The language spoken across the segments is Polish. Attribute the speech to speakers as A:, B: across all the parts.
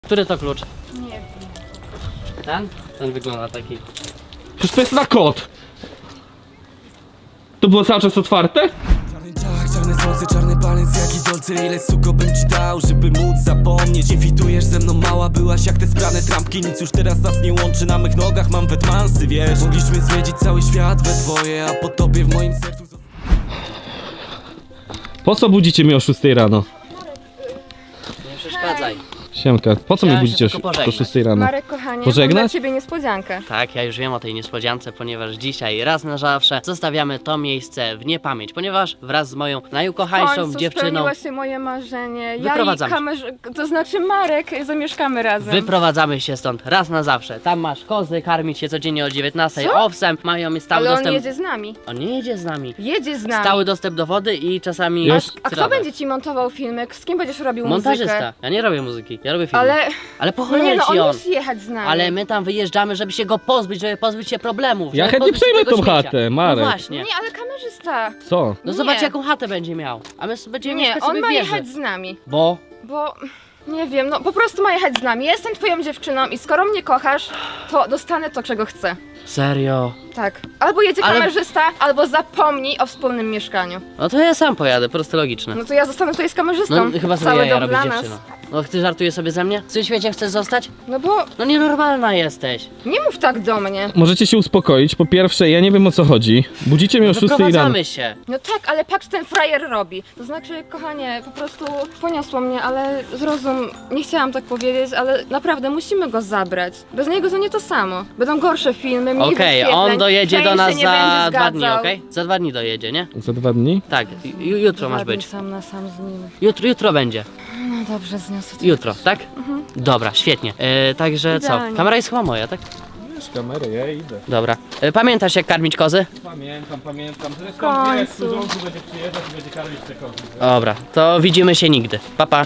A: Który to klucz?
B: Nie wiem.
A: Ten? Ten wygląda taki.
C: Przecież to jest na kod. To było cały czas otwarte?
D: Czarny ciach, czarne słońce, czarny palec, jaki dolce. Ile suko bym ci dał, żeby móc zapomnieć. Nie fitujesz ze mną, mała byłaś jak te sprane trampki. Nic już teraz nas nie łączy, na mych nogach mam wetmansy, wiesz. Mogliśmy zwiedzić cały świat we dwoje, a po tobie w moim sercu.
C: Po co budzicie mnie o 6 rano?
A: Nie przeszkadzaj.
C: Siemka, po co mnie
A: Chciałem się
C: budzicie
A: tylko
C: o
A: pożegnać.
C: 6 rano?
B: Marek, kochanie,
C: Pożegnać?
B: mam dla ciebie niespodziankę.
A: Tak, ja już wiem o tej niespodziance, ponieważ dzisiaj raz na zawsze zostawiamy to miejsce w niepamięć, ponieważ wraz z moją
B: W
A: najukochańszą
B: końcu
A: dziewczyną
B: spełniło się moje marzenie. Ja i
A: Wyprowadzamy
B: to znaczy Marek, zamieszkamy razem.
A: wyprowadzamy się stąd raz na zawsze. Tam masz kozy, karmić się codziennie o 19,
B: Co?
A: owsem, mają stały
B: Ale on
A: dostęp.
B: jedzie z nami.
A: On nie jedzie z nami.
B: Jedzie z nami.
A: Stały dostęp do wody i czasami
C: Już?
B: A kto
A: trawę.
B: będzie ci montował filmek? Z kim będziesz robił
A: Montażysta.
B: muzykę?
A: Ja nie robię muzyki, ja robię filmy. Ale po
B: No nie,
A: cholerę
B: no
A: ci
B: on
A: on.
B: musi jechać z nami.
A: Ale my tam wyjeżdżamy, żeby się go pozbyć, żeby pozbyć się problemów.
C: Ja
A: żeby
C: chętnie
A: pozbyć się
C: przejmę
A: tego
C: tą
A: śmiecia.
C: chatę, Marek.
A: No właśnie.
B: Nie, ale kamerzysta.
C: Co?
A: No
B: Nie.
A: zobacz jaką chatę będzie miał. A my będziemy
B: Nie,
A: mieszkać
B: on
A: sobie
B: ma
A: w wieży.
B: jechać z nami.
A: Bo
B: Bo nie wiem, no po prostu ma jechać z nami. Ja jestem twoją dziewczyną i skoro mnie kochasz, to dostanę to, czego chcę.
A: serio.
B: Tak. Albo jedzie
A: Ale-
B: kamerzysta, albo zapomnij o wspólnym mieszkaniu.
A: No to ja sam pojadę, proste logiczne.
B: No to ja zostanę tutaj z kamerzystą.
A: No chyba sobie
B: Cały
A: jaja
B: dom
A: robić
B: dla nas.
A: dziewczyno. No ty żartujesz sobie ze mnie? W tym świecie chcesz zostać?
B: No bo
A: No nienormalna jesteś.
B: nie mów tak do mnie.
C: Możecie się uspokoić. Po pierwsze, ja nie wiem o co chodzi. Budzicie mnie o 6 rano.
A: Wyprowadzamy się.
B: No tak, ale patrz, ten frajer robi. To znaczy, kochanie, po prostu poniosło mnie, ale zrozum, nie chciałam tak powiedzieć, ale naprawdę musimy go zabrać. Bez niego to nie to samo. Będą gorsze filmy, mniej
A: Okej,
B: wyświetleń,
A: on dojedzie
B: fame
A: do nas
B: się nie będzie
A: za 2
B: zgadzał.
A: dni, okej? Za 2 dni dojedzie, nie?
C: Za 2 dni?
A: Tak, jutro masz
B: Ładnie
A: być.
B: sam na sam z nim.
A: Jutro będzie.
B: No dobrze, zniosę to.
A: Jutro, tak? Dobra, świetnie. Także co?
B: Idealnie.
A: Kamera jest chyba moja, tak?
C: Wiesz, kamerę, ja idę.
A: Dobra. Pamiętasz jak karmić kozy?
C: Pamiętam. Zresztą
B: końcu.
C: wiesz, służący będzie przyjeżdżać i będzie karmić te kozy.
A: Dobra, to widzimy się nigdy. Pa, pa.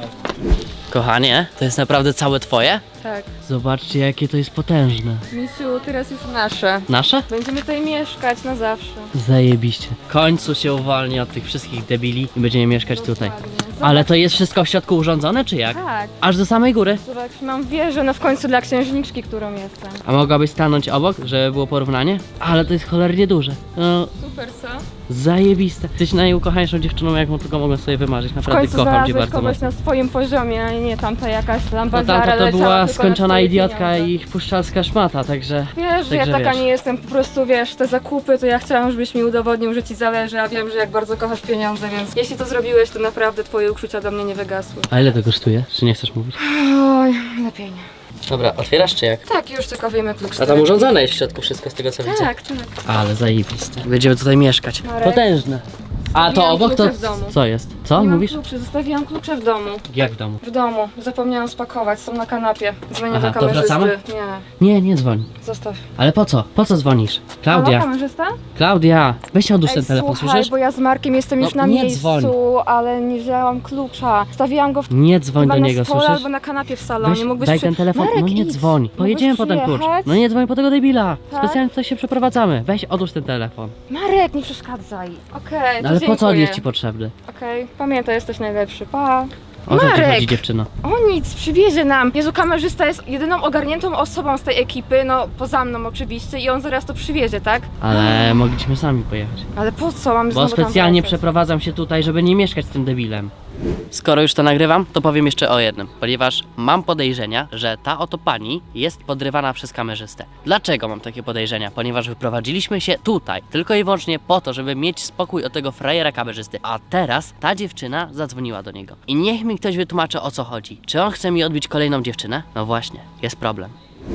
A: Kochanie, to jest naprawdę całe twoje?
B: Tak.
A: Zobaczcie jakie to jest potężne.
B: Misiu, teraz jest nasze.
A: Nasze?
B: Będziemy tutaj mieszkać na zawsze.
A: Zajebiście. W końcu się uwolni od tych wszystkich debili i będziemy mieszkać tutaj.
B: Dokładnie.
A: Ale to jest wszystko w środku urządzone, czy jak?
B: Tak.
A: Aż do samej góry.
B: Zobacz, mam wieżę, no w końcu dla księżniczki, którą jestem.
A: A mogłabyś stanąć obok, żeby było porównanie? Ale to jest cholernie duże. No,
B: Super, co?
A: zajebiste. Jesteś najukochańszą dziewczyną, jaką tylko mogę sobie wymarzyć.
B: W
A: Naprawdę
B: końcu
A: kocham cię
B: znalazłeś
A: bardzo
B: kogoś
A: mocno.
B: na swoim poziomie, a nie tamta jakaś
A: No
B: lambadziara
A: tamta to
B: leciała
A: była
B: tylko na
A: skończona
B: twoje
A: idiotka
B: pieniądze.
A: i puszczalska szmata, także...
B: Wiesz, że ja
A: Także
B: taka
A: wiesz.
B: nie jestem, po prostu wiesz, te zakupy, to ja chciałam, żebyś mi udowodnił, że ci zależy, a wiem, że jak bardzo kochasz pieniądze, więc jeśli to zrobiłeś, to naprawdę twoje uczucia do mnie nie wygasły.
A: A ile to kosztuje? Czy nie chcesz mówić?
B: Oj, lepiej nie.
A: Dobra, otwierasz czy jak?
B: Tak, już tylko wyjmę klucz.
A: A tam urządzone jest w środku wszystko z tego co widzę.
B: Tak, tak.
A: Ale zajebiste. Będziemy tutaj mieszkać.
B: Marek.
A: Potężne. A to
B: Zostawiłam
A: obok to...
B: klucze w domu.
A: Co jest? Co
B: Nie mam
A: mówisz?
B: kluczy, zostawiłam klucze w domu.
A: Jak w domu?
B: W domu. Zapomniałam spakować, są na kanapie. Dzwonię
A: Aha,
B: do
A: to
B: kamerzysty.
A: wracamy?
B: Nie,
A: Nie dzwoń.
B: zostaw.
A: Ale po co? Po co dzwonisz?
B: Halo,
A: Klaudia,
B: kamerzysta?
A: Klaudia, weź odłóż
B: Ej,
A: ten telefon,
B: słuchaj,
A: słyszysz?
B: bo ja z Markiem jestem już
A: No,
B: na
A: nie
B: miejscu,
A: dzwoń.
B: ale nie wzięłam klucza. Stawiłam go w
A: Nie dzwoń
B: chyba
A: do
B: na
A: niego,
B: stole
A: słyszysz?
B: albo na kanapie w salonie.
A: Weź,
B: Mógłbyś
A: daj
B: przy-
A: ten telefon,
B: Marek,
A: no nie
B: idź.
A: dzwoń.
B: Mógłbyś
A: Pojedziemy po ten klucz.
B: przyjechać?
A: No nie dzwoń po tego debila.
B: Tak?
A: Specjalnie tutaj się przeprowadzamy. Weź odłóż ten telefon.
B: Marek, nie przeszkadzaj. Okej,
A: No
B: to
A: ale po co on
B: dziękuję.
A: jest ci potrzebny?
B: Okej, pamiętaj, jesteś najlepszy. Pa.
A: O co ci
B: Marek!
A: chodzi dziewczyno?
B: O nic, przywiezie nam. Jezu, kamerzysta jest jedyną ogarniętą osobą z tej ekipy, no poza mną oczywiście i on zaraz to przywiezie, tak?
A: Ale mogliśmy sami pojechać.
B: Ale po co mamy
A: Bo
B: znowu tam
A: specjalnie
B: wracać?
A: przeprowadzam się tutaj, żeby nie mieszkać z tym debilem. Skoro już to nagrywam, to powiem jeszcze o jednym, ponieważ mam podejrzenia, że ta oto pani jest podrywana przez kamerzystę. Dlaczego mam takie podejrzenia? Ponieważ wyprowadziliśmy się tutaj tylko i wyłącznie po to, żeby mieć spokój od tego frajera kamerzysty, a teraz ta dziewczyna zadzwoniła do niego. I niech mi ktoś wytłumaczy, o co chodzi. Czy on chce mi odbić kolejną dziewczynę? No właśnie, jest problem.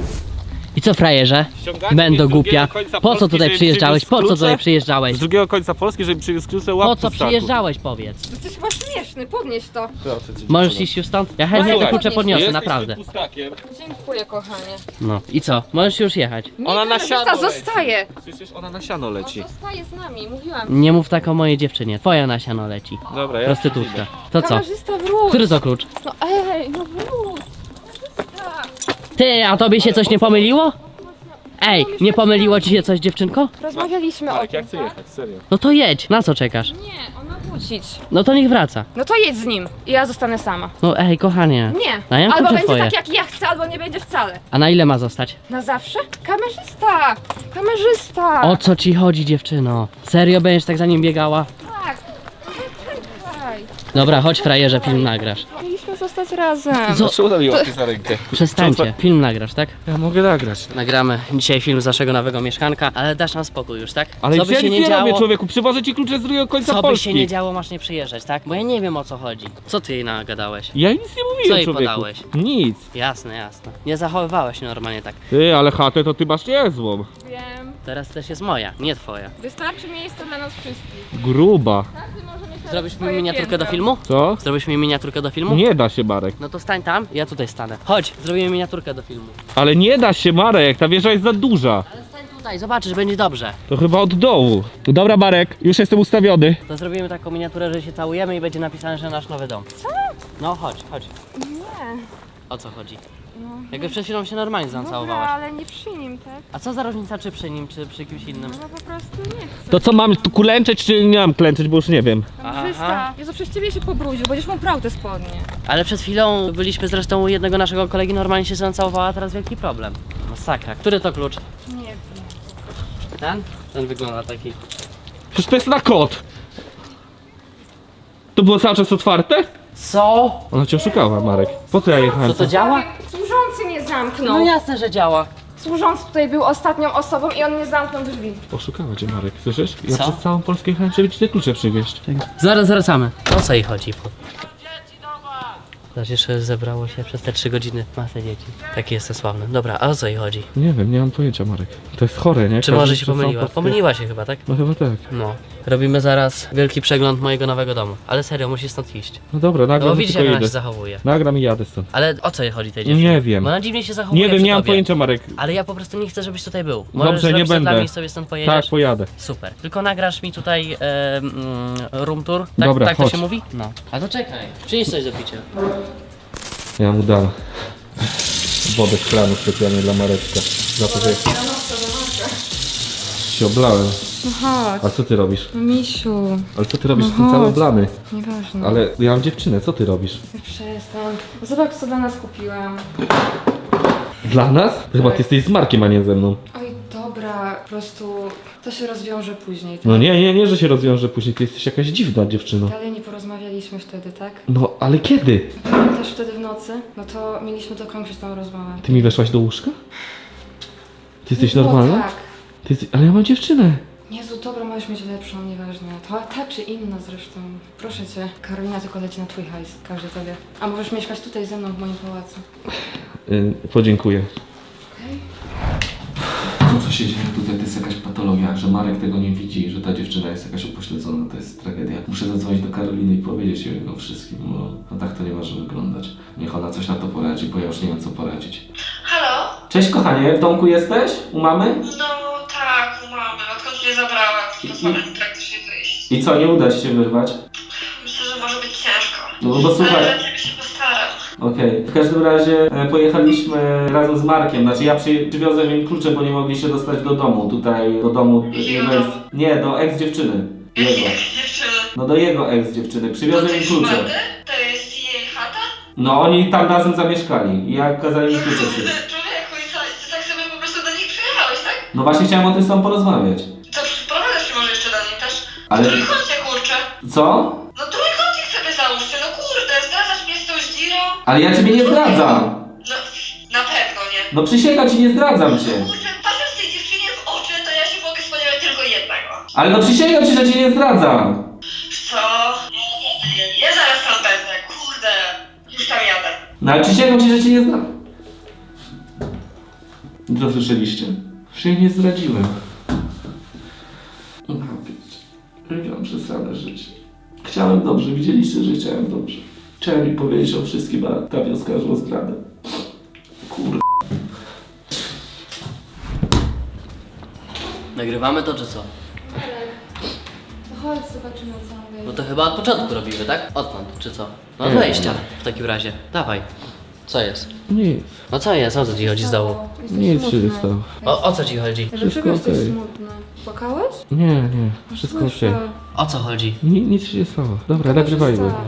A: I co, frajerze?
C: Ściągacie
A: Będę
C: mnie z
A: głupia.
C: drugiego końca
A: Po co
C: Polski,
A: tutaj
C: żeby
A: przyjeżdżałeś?
C: przywiózł
A: Po co
C: klucze?
A: tutaj przyjeżdżałeś?
C: Z drugiego końca Polski, żeby przywiózł klucze, łap
A: Po co
C: pustaku.
A: przyjeżdżałeś, powiedz?
B: Jesteś chyba śmieszny, podnieś to.
C: Proszę cię,
A: Możesz
C: dziewczyno.
A: iść już stąd? Ja chętnie te
B: Słuchaj,
A: klucze podniosę,
C: Jesteś
A: naprawdę.
C: tym pustakiem.
B: Dziękuję, kochanie.
A: No i co? Możesz już jechać.
B: Nie,
C: Ona na
B: kamerzysta
C: siano leci.
B: zostaje.
C: Przecież ona na siano
B: On
C: leci.
B: zostaje z nami, mówiłam.
A: Nie mów tak o mojej dziewczynie. Twoja na siano leci.
C: Dobra, ja
A: Prostytutka. To co?
B: Kamerzysta, wróć.
A: Który to klucz?
B: No ej, no wróć. Kamerzysta.
A: Ty, a tobie się coś nie pomyliło? Ej, nie pomyliło ci się coś, dziewczynko?
B: Rozmawialiśmy o
C: Tak,
B: tym,
C: ja chcę
B: tak?
C: jechać, serio.
A: No to jedź. Na co czekasz?
B: Nie, ona wróci. wrócić.
A: No to niech wraca.
B: No to jedź z nim i ja zostanę sama.
A: No ej, kochanie.
B: Nie.
A: Daję
B: Albo
A: klucze
B: będzie
A: twoje.
B: tak jak ja chcę, albo nie będzie wcale.
A: A na ile ma zostać?
B: Na zawsze? Kamerzysta! Kamerzysta!
A: O co ci chodzi, dziewczyno? Serio będziesz tak za nim biegała?
B: Tak. Czekaj.
A: Dobra, chodź frajerze, film nagrasz.
B: Mieliśmy zostać razem.
C: Czemu mi łapie za rękę?
A: Przestańcie, film nagrasz, tak?
C: Ja mogę nagrać.
A: Nagramy dzisiaj film z naszego nowego mieszkanka, ale dasz nam spokój już, tak?
C: Ale
A: co by
C: ja
A: się
C: nic
A: nie
C: nie robię,
A: działo,
C: człowieku. Przywożę ci klucze z drugiego końca
A: co by
C: Polski.
A: się nie działo, masz nie przyjeżdżać, tak? Bo ja nie wiem o co chodzi. Co ty jej nagadałeś?
C: Ja nic nie mówiłem,
A: Co jej
C: człowieku.
A: podałeś?
C: Nic.
A: Jasne, jasne. Nie zachowywałeś się normalnie tak.
C: Ty, ale chatę to ty masz niezłą.
B: Wiem.
A: Teraz też jest moja, nie twoja.
B: Wystarczy miejsca dla nas wszystkich.
C: Gruba.
B: Każdy może mieć teraz
A: Zrobisz mi
B: swoje
A: miniaturkę
B: piętro.
A: do filmu?
C: Co?
A: Zrobisz mi miniaturkę do filmu?
C: Nie da się, Marek.
A: No to stań tam, ja tutaj stanę. Chodź, zrobimy miniaturkę do filmu.
C: Ale nie da się, Marek. Ta wieża jest za duża.
A: Ale stań tutaj, zobaczysz, będzie dobrze.
C: To chyba od dołu. Dobra, Marek. Już jestem ustawiony.
A: To zrobimy taką miniaturę, że się całujemy i będzie napisane, że nasz nowy dom. Co? No chodź, chodź.
B: Nie.
A: O co chodzi?
B: No.
A: Jakby przed chwilą się normalnie
B: Dobra,
A: zacałowałaś.
B: ale nie przy nim, tak?
A: A co za różnica, czy przy nim, czy przy kimś innym?
B: No po prostu nie chcę.
C: To co, mam tu klęczeć, czy nie mam klęczeć, bo już nie wiem.
B: Kamerzysta.
A: Aha.
B: Jezu, przez ciebie się pobrudził, będziesz mu prał te spodnie.
A: Ale przed chwilą byliśmy zresztą u jednego naszego kolegi, normalnie się zacałowała, a teraz wielki problem. Masakra. Który to klucz?
B: Nie wiem.
A: Ten? Ten wygląda taki.
C: Przecież to jest na kod. To było cały czas otwarte?
A: Co?
C: Ona cię oszukała, Marek. Po co ja jechałem?
A: Co to działa?
B: Służący nie zamknął.
A: No jasne, że działa.
B: Służący tutaj był ostatnią osobą i on nie zamknął drzwi.
C: Oszukała cię, Marek, słyszysz? Ja
A: Co?
C: przez całą Polskę jechałem, żeby ci te klucze przywieźć.
A: Zaraz wracamy. O co jej chodzi? Zobacz, jeszcze zebrało się przez te 3 godziny masę dzieci. Taki jestem sławny. Dobra, a o co jej chodzi?
C: Nie wiem, nie mam pojęcia, Marek. To jest chore, nie?
A: Czy
C: Każdy
A: może się
C: przez całą
A: pomyliła?
C: Polskę-
A: Pomyliła się chyba, tak?
C: No chyba tak.
A: No. Robimy zaraz wielki przegląd mojego nowego domu. Ale serio, musisz stąd iść.
C: No dobra,
A: No
C: nagram
A: bo
C: i
A: widzisz,
C: tylko
A: jak ona się
C: idę.
A: zachowuje.
C: Nagram i jadę stąd.
A: Ale o co jej chodzi tej dziewczynie?
C: Nie wiem.
A: Bo ona dziwnie się zachowuje
C: Nie wiem,
A: przy
C: nie mam
A: tobie.
C: pojęcia, Marek.
A: Ale ja po prostu nie chcę, żebyś tutaj był. Możesz
C: Dobrze, nie
A: zrobić to
C: będę.
A: dla mnie i sobie stąd pojedziesz.
C: Tak, pojadę.
A: Super. Tylko nagrasz mi tutaj room tour. Tak,
C: Dobra,
A: tak to
C: chodź.
A: się mówi? No. A to czekaj. Przynieś coś do picia.
C: Ja mu dam wodę z kranu specjalnie dla Mareczka. Za to, że się oblałem.
B: No chodź.
C: A co ty robisz?
B: No misiu,
C: Ale co ty robisz?
B: No
C: Jestem cały
B: chodź.
C: oblany.
B: nieważne.
C: Ale ja mam dziewczynę, co ty robisz?
B: Przestań. Zobacz co dla nas kupiłam.
C: Dla nas? Chyba ty jesteś z Markiem, a nie ze mną.
B: Oj, dobra, po prostu to się rozwiąże później. Tak?
C: No nie, że się rozwiąże później. Ty jesteś jakaś dziwna dziewczyno.
B: Dalej nie porozmawialiśmy wtedy, tak?
C: No, ale kiedy?
B: Pamiętasz wtedy w nocy? No to mieliśmy dokończyć tą rozmowę.
C: Ty mi weszłaś do łóżka? Ty jesteś
B: No
C: normalna?
B: tak.
C: Ty jesteś... Ale ja mam dziewczynę.
B: Jezu, dobra, możesz mieć lepszą, nieważne. To ta czy inna zresztą. Proszę cię, Karolina tylko leci na twój hajs, każdy to wie. A możesz mieszkać tutaj ze mną w moim pałacu.
C: Podziękuję.
B: Okej?
E: To, co się dzieje tutaj, to jest jakaś patologia, że Marek tego nie widzi, że ta dziewczyna jest jakaś upośledzona, to jest tragedia. Muszę zadzwonić do Karoliny i powiedzieć jej o wszystkim, bo no tak to nie może wyglądać. Niech ona coś na to poradzi, bo ja już nie wiem, co poradzić.
F: Halo?
E: Cześć kochanie, w domku jesteś? U mamy?
F: No tak, u mamy, odkąd mnie zabrała, to samym praktycznie wyjść.
E: I co, nie uda ci się wyrwać?
F: Myślę, że może być ciężko.
E: No bo słuchaj...
F: Ale ja ciebie się postaram.
E: Okej. W każdym razie pojechaliśmy razem z Markiem, znaczy ja przywiozłem im klucze, bo nie mogli się dostać do domu, tutaj do domu jego ex... Nie, do ex-dziewczyny. Jego.
F: Dziewczyny.
E: No do jego ex-dziewczyny,
F: To
E: przywiozłem im
F: jest
E: klucze.
F: szmaty? To jest jej chata?
E: No oni tam razem zamieszkali i jak kazali mi klucze
F: Kurde,
E: przyjść.
F: człowieku, i co? Ty tak sobie po prostu do nich przyjechałeś, tak?
E: No właśnie chciałem o tym z tobą porozmawiać.
F: To sprowadzasz się może jeszcze do nich też?
E: Ale-
F: Trójkącie, kurczę.
E: Co?
F: No trójkącik sobie załóżcie, no kurde, zdradzasz mnie z tą zdzirą?
E: Ale ja ciebie nie zdradzam.
F: No, na pewno nie.
E: No przysięgam ci, nie zdradzam cię.
F: Kurczę, patrząc tej dziewczynie w oczy, to ja się mogę spodziewać tylko jednego.
E: Ale no przysięgam ci, że cię nie zdradzam.
F: Co? Ja zaraz tam będę, kurde. Już tam jadę.
E: No ale przysięgam ci, że cię nie zdradzam. Co słyszeliście? Że jej nie zdradziłem. Mam przesrane życie. Chciałem dobrze, widzieliście, że chciałem dobrze. Chciałem mi powiedzieć o wszystkim, a ta wioska już o zdradę. Kurde.
A: Nagrywamy to czy co?
B: To chodź, zobaczymy co on
A: No to chyba od początku robimy, tak? Odtąd, czy co? No od wejścia w takim razie. Dawaj. Co jest?
C: Nic,
A: No co jest? O co ci chodzi z dołu?
B: Jesteś
C: nic się nie
B: smutny.
C: stało.
A: O co ci chodzi?
B: Dlaczego
C: Wszystko
B: jesteś
C: okej.
B: smutny? Płakałeś?
C: Nie, wszystko
B: Słyszę.
C: okej.
A: O co chodzi?
C: Nic się nie stało. Dobra, nagrywajmy.
B: Dobra.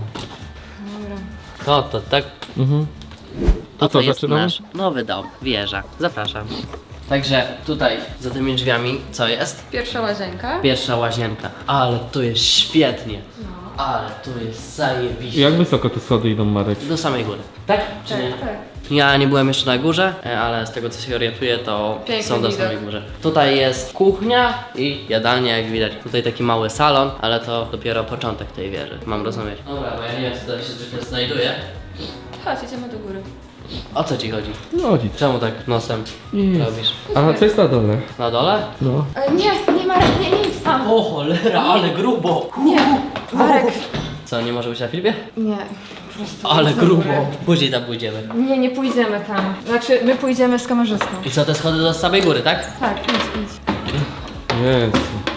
A: To tak.
C: Mhm.
A: To
C: co,
A: jest
C: zaczynamy?
A: nasz nowy dom, wieża. Zapraszam. Także tutaj, za tymi drzwiami, co jest?
B: Pierwsza łazienka.
A: Pierwsza łazienka. Ale tu jest świetnie. Ale tu jest zajebiście.
C: Jak wysoko te schody idą, Marek?
A: Do samej góry. Tak? Czy nie?
B: Tak.
A: Ja nie byłem jeszcze na górze, ale z tego co się orientuję, to
B: Piękny
A: są do
B: widok.
A: samej górze. Tutaj jest kuchnia i jadalnia, jak widać. Tutaj taki mały salon, ale to dopiero początek tej wieży, mam rozumieć. Dobra, bo ja nie wiem, co tutaj się zwykle znajduje.
B: Chodź, idziemy do góry.
A: O co ci chodzi?
C: No nic.
A: Czemu tak nosem
C: Nic.
A: robisz?
C: A co jest na dole?
A: Na dole?
C: No.
B: Nie, Marek, nie idź tam.
A: O cholera, ale grubo!
B: Nie, Marek.
A: Co, nie może być na filmie?
B: Nie, po prostu.
A: Ale
B: idź do
A: grubo.
B: góry.
A: Później tam pójdziemy.
B: Nie pójdziemy tam. Znaczy, my pójdziemy z kamerzystą.
A: I co, te schody do samej góry, tak?
B: Tak, idź.
C: Jezu.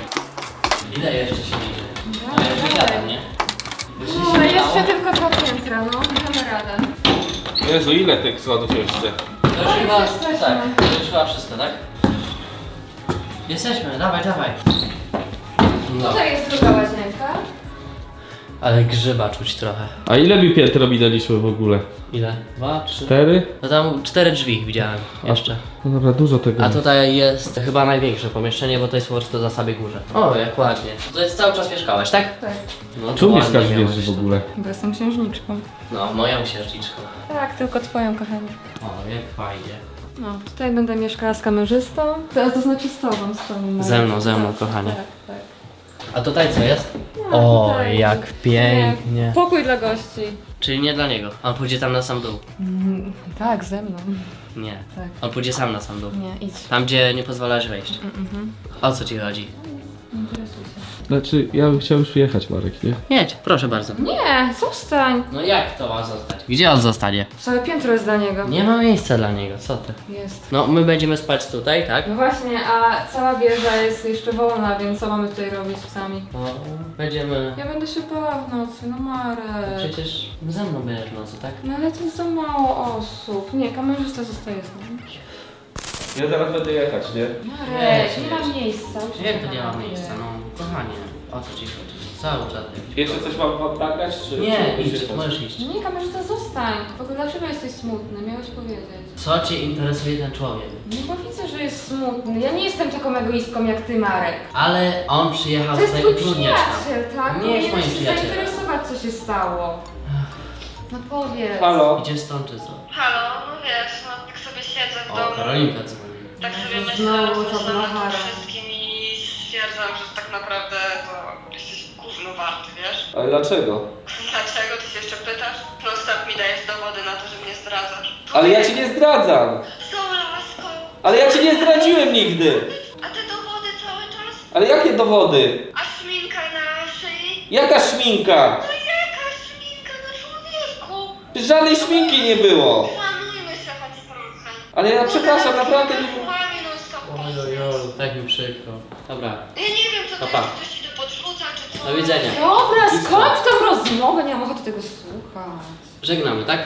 A: Ile jeszcze się idzie?
B: Dawaj,
A: Ja już
B: dawaj.
A: gadam, nie?
B: No, jeszcze tylko 2 piętra, no. Damy radę.
C: Jezu, ile tych schodów jeszcze?
A: To już chyba,
B: jesteśmy.
A: tak, to już chyba wszystko, tak? Jesteśmy, dawaj. No.
B: Tutaj jest druga łazienka.
A: Ale grzyba czuć trochę.
C: A ile mi piętro minęliśmy w ogóle?
A: Ile? 2, 3?
C: 4?
A: No tam 4 drzwi widziałem jeszcze.
C: No dobra, dużo tego
A: A
C: jest.
A: tutaj jest chyba największe pomieszczenie, bo to jest po prostu za samej górze. O, jak ładnie. Tutaj cały czas mieszkałeś, tak?
B: Tak,
A: No, to
C: Tu
A: ładnie
C: mieszkasz w
A: miałeś
C: wieży w
A: to.
C: ogóle?
B: bo jestem księżniczką.
A: No, moją księżniczką.
B: Tak, tylko twoją, kochanie.
A: O, jak fajnie.
B: No, tutaj będę mieszkała z kamerzystą. To znaczy z tobą, Marek.
A: Ze mną,
B: Tak,
A: kochanie.
B: Tak.
A: A tutaj co jest?
B: No,
A: O,
B: tutaj.
A: jak pięknie.
B: Pokój dla gości.
A: Czyli nie dla niego. On pójdzie tam na sam dół.
B: Tak, ze mną.
A: Nie.
B: Tak.
A: On pójdzie sam na sam dół.
B: Nie, idź.
A: Tam, gdzie nie pozwalasz wejść. O co ci chodzi?
B: Interesuj się.
C: Znaczy, ja bym chciał już jechać, Marek, nie?
A: Jedź, proszę bardzo.
B: Nie, zostań.
A: No jak to ma zostać? Gdzie on zostanie?
B: Całe piętro jest dla niego.
A: Nie ma miejsca dla niego, co ty?
B: Jest.
A: No, my będziemy spać tutaj, tak?
B: No właśnie, a cała wieża jest jeszcze wolna, więc co mamy tutaj robić sami?
A: No, będziemy...
B: Ja będę się bała w nocy, no Marek.
A: Przecież ze mną będziesz w nocy, tak?
B: No ale to jest za mało osób. Nie, kamerzysta zostaje z nami.
C: Ja zaraz będę jechać, nie?
B: Marek, nie ma miejsca.
A: Jak to nie ma miejsca? No, kochanie, o co ci chodzi? Cały czas.
C: Jeszcze coś mam dać, czy...
A: Nie,
C: czy
A: idź,
C: jechać?
A: możesz iść.
B: Nie, kamerzysta, zostań. W ogóle dlaczego jesteś smutny? Miałeś powiedzieć.
A: Co cię interesuje ten człowiek?
B: No bo widzę, że jest smutny. Ja nie jestem taką egoistką jak ty, Marek.
A: Ale on przyjechał
B: To jest
A: tutaj
B: twój
A: utrudniać nam.
B: przyjaciel, tak?
A: Nie jest
B: Powinieneś
A: moim
B: się
A: przyjacielem.
B: zainteresować, co się stało. No powiedz.
C: Halo?
A: Idzie stąd czy co?
F: Halo, no wiesz, no tak sobie siedzę w
A: O,
F: domu.
A: Karolinka dzwoni.
F: Tak sobie
B: Jezu,
F: myślę,
B: znowu
F: rozmyślam
B: to
F: nad tym
B: blachara.
F: wszystkim i stwierdzam, że tak naprawdę to jesteś gówno warty, wiesz?
C: Ale dlaczego?
F: Dlaczego? Ty się jeszcze pytasz? Non-stop mi dajesz dowody na to, że mnie zdradzasz.
C: Ale ja cię nie zdradzam!
F: Z tą laską!
C: Ale ja cię nie zdradziłem nigdy!
F: A te dowody cały czas?
C: Ale jakie dowody?
F: A szminka na szyi?
C: Jaka szminka?
F: No jaka szminka na człowieku?
C: Żadnej szminki nie było!
F: Szanujmy się choć trochę.
C: Ale ja przepraszam, naprawdę nie...
F: Słowami non-stop
A: Ojojoj, tak mi przykro. Dobra,
F: Ja nie wiem, co to
A: Pa, pa.
F: jest, ktoś ci to podrzuca, czy co?
A: do widzenia.
B: Dobra, skończ tą rozmowę, nie mam ochoty tego słuchać.
A: Żegnamy, tak?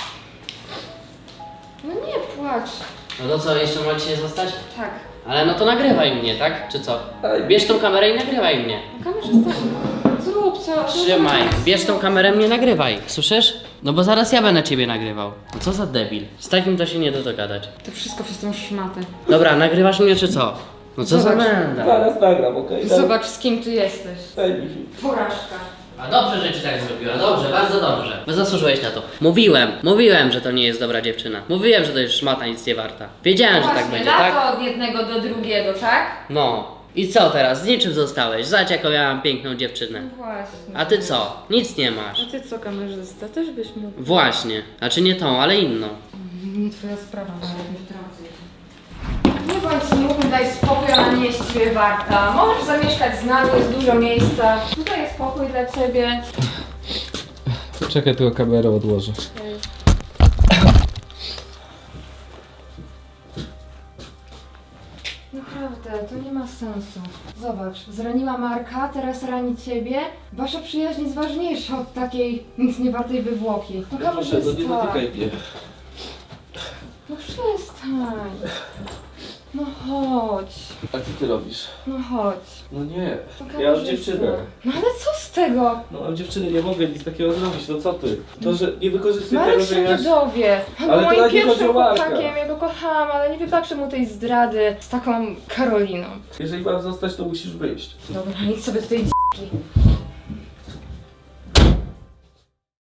B: No nie płacz.
A: No to co, jeszcze ma dzisiaj zostać?
B: Tak.
A: Ale no to nagrywaj mnie, tak? Czy co? Bierz tą kamerę i nagrywaj mnie.
B: No kamerzysta, zrób co.
A: Trzymaj, bierz tą kamerę, mnie nagrywaj. Słyszysz? No bo zaraz ja będę ciebie nagrywał. No co za debil. Z takim to się nie da dogadać.
B: To wszystko przez tą szmatę.
A: Dobra, nagrywasz mnie czy co? No co za
B: Zobacz.
A: menda.
C: Zaraz nagram, okej?
B: Zobacz, z kim ty jesteś.
C: Daj mi chwilę.
B: Porażka.
A: A dobrze, że ci tak zrobiła, dobrze, bardzo dobrze. Bo zasłużyłeś na to. Mówiłem, że to nie jest dobra dziewczyna. Mówiłem, że to jest szmata, nic nie warta. Wiedziałem, że tak będzie, tak?
B: lato od jednego do drugiego, tak?
A: No. I co teraz? Z niczym zostałeś. Zobacz, jaką miałam piękną dziewczynę.
B: No właśnie.
A: A ty co? Nic nie masz.
B: A ty co, kamerzysta? Też byś mógł.
A: Właśnie. Znaczy nie tą, ale inną.
B: Nie twoja sprawa, ale nie wtrącę się. Nie bądź smutny, daj spokój, ona nie jest ciebie warta. Możesz zamieszkać z nami, jest dużo miejsca. Tutaj jest spokój dla ciebie.
C: Czekaj, tylko kamerę odłożę.
B: Naprawdę, to nie ma sensu. Zobacz, zraniła Marka, teraz rani ciebie. Wasza przyjaźń jest ważniejsza od takiej nic nie wartej wywłoki. No kamerzysta.
C: mnie.
B: przestań. No chodź.
E: A co ty robisz?
B: No chodź.
E: No nie.
B: Pokażę
E: Ja mam
B: ci
E: dziewczynę.
B: to. No ale co z tego?
E: No mam dziewczynę, nie mogę nic takiego zrobić, no co ty? To, że nie wykorzystuj
B: Marek
E: tego, że
B: się
E: ja...
B: nie dowie. On
E: Ale
B: był
E: to
B: moim
E: nawet nie chodzi
B: pierwszym
E: o Marka.
B: chłopakiem, ja go kochałam, ale nie wybaczę mu tej zdrady z taką Karoliną.
E: Jeżeli mam zostać, to musisz wyjść.
B: Dobra, idź sobie do tej d***ki.